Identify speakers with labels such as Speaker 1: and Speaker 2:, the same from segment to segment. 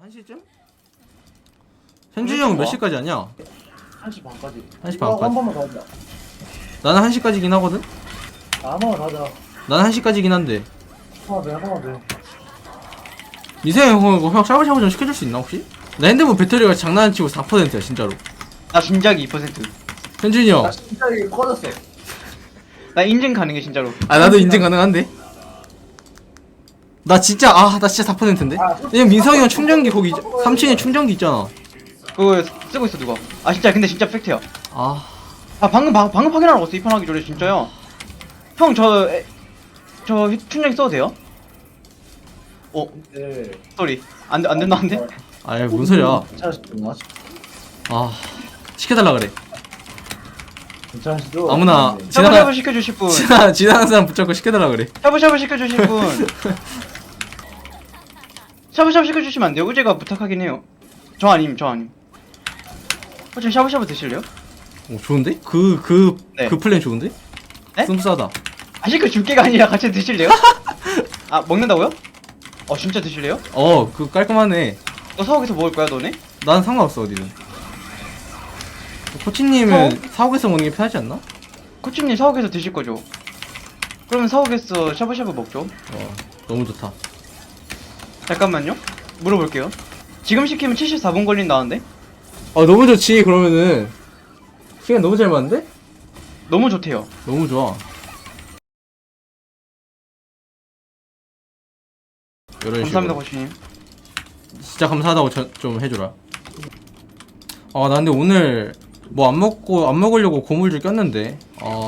Speaker 1: 1시쯤? 현준이 형 몇 시까지 하냐?
Speaker 2: 1시 반까지.
Speaker 1: 1시
Speaker 2: 이거 한
Speaker 1: 반까지.
Speaker 2: 번만 더 하자.
Speaker 1: 나는 1시까지긴 하거든?
Speaker 2: 한 번만 더 하자.
Speaker 1: 나는 1시까지긴 한데
Speaker 2: 한 번만 더.
Speaker 1: 미세 형 샤브샤브 좀 시켜줄 수 있나 혹시? 나 핸드폰 배터리가 장난 안 치고 4%야 진짜로.
Speaker 3: 나 진작이 2%.
Speaker 1: 현준이 형.
Speaker 2: 나 진짜 이게 꺼졌어.
Speaker 3: 나 인증 가능해 진짜로.
Speaker 1: 아 나도 인증 가능한데? 나 진짜 나 진짜 4%인데? 왜냐면 민성이 형 충전기 거기 3층에 충전기 있잖아.
Speaker 3: 그거 쓰고 있어 누가? 아 진짜 근데 진짜 팩트야.
Speaker 1: 아
Speaker 3: 아 방금 확인하러 갔어 입판하기 전에 진짜요. 형 저 충전기 써도 돼요?
Speaker 2: 네.
Speaker 3: 쏘리 안 된다 안 돼?
Speaker 1: 아이 뭔 소리야.
Speaker 2: 괜찮으시죠?
Speaker 1: 아 시켜달라 그래.
Speaker 2: 괜찮으시죠?
Speaker 1: 아무나
Speaker 2: 네.
Speaker 3: 샤브샤브 시켜주실 분.
Speaker 1: 지나가는 사람 붙잡고 시켜달라 그래.
Speaker 3: 샤브샤브 시켜주실 분. 샤브샤브 시켜주시면 안 돼요? 의제가 부탁하긴 해요. 저 아님. 혹시 샤브샤브 드실래요?
Speaker 1: 오 좋은데?
Speaker 3: 네.
Speaker 1: 그 플랜 좋은데?
Speaker 3: 네?
Speaker 1: 씀싸다.
Speaker 3: 아 시켜줄게가 아니라 같이 드실래요? 아 먹는다고요? 진짜 드실래요?
Speaker 1: 그 깔끔하네.
Speaker 3: 너 사옥에서 먹을 거야 너네?
Speaker 1: 난 상관없어 어디든. 코치님은 사옥에서 먹는 게 편하지 않나?
Speaker 3: 코치님 사옥에서 드실 거죠? 그러면 사옥에서 샤브샤브 먹죠?
Speaker 1: 너무 좋다.
Speaker 3: 잠깐만요. 물어볼게요. 지금 시키면 74분 걸린다는데?
Speaker 1: 너무 좋지. 그러면은 시간 너무 잘 맞는데?
Speaker 3: 너무 좋대요.
Speaker 1: 너무 좋아. 이런
Speaker 3: 감사합니다
Speaker 1: 식으로.
Speaker 3: 코치님.
Speaker 1: 진짜 감사하다고 좀 해줘라. 나 근데 오늘 뭐 안 먹으려고 고물줄 꼈는데.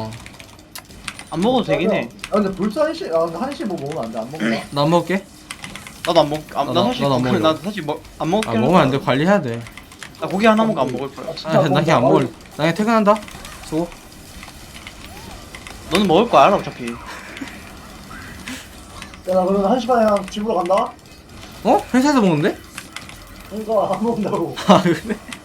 Speaker 3: 안 먹어도 되긴 해.
Speaker 2: 근데 벌써 1시, 근데 1시 뭐 먹으면 안 돼. 안 먹나?
Speaker 1: 나 안 먹을게.
Speaker 3: 나도 안 먹. 나 사실
Speaker 1: 나도 안 먹으려고.
Speaker 3: 나 사실 안 먹긴 할
Speaker 1: 먹으면 안 돼.
Speaker 3: 거야.
Speaker 1: 관리해야 돼.
Speaker 3: 나 고기 하나 먹고 안 먹을 거야.
Speaker 1: 나 그냥 안 먹을. 나 그냥 퇴근한다. 수고.
Speaker 3: 너는 먹을 거 알아 어차피.
Speaker 2: 야, 나 그러면 1시 반에 집으로 간다?
Speaker 1: 회사에서 먹는데?
Speaker 2: 그러니까 안 먹는다고.
Speaker 1: 아 그래?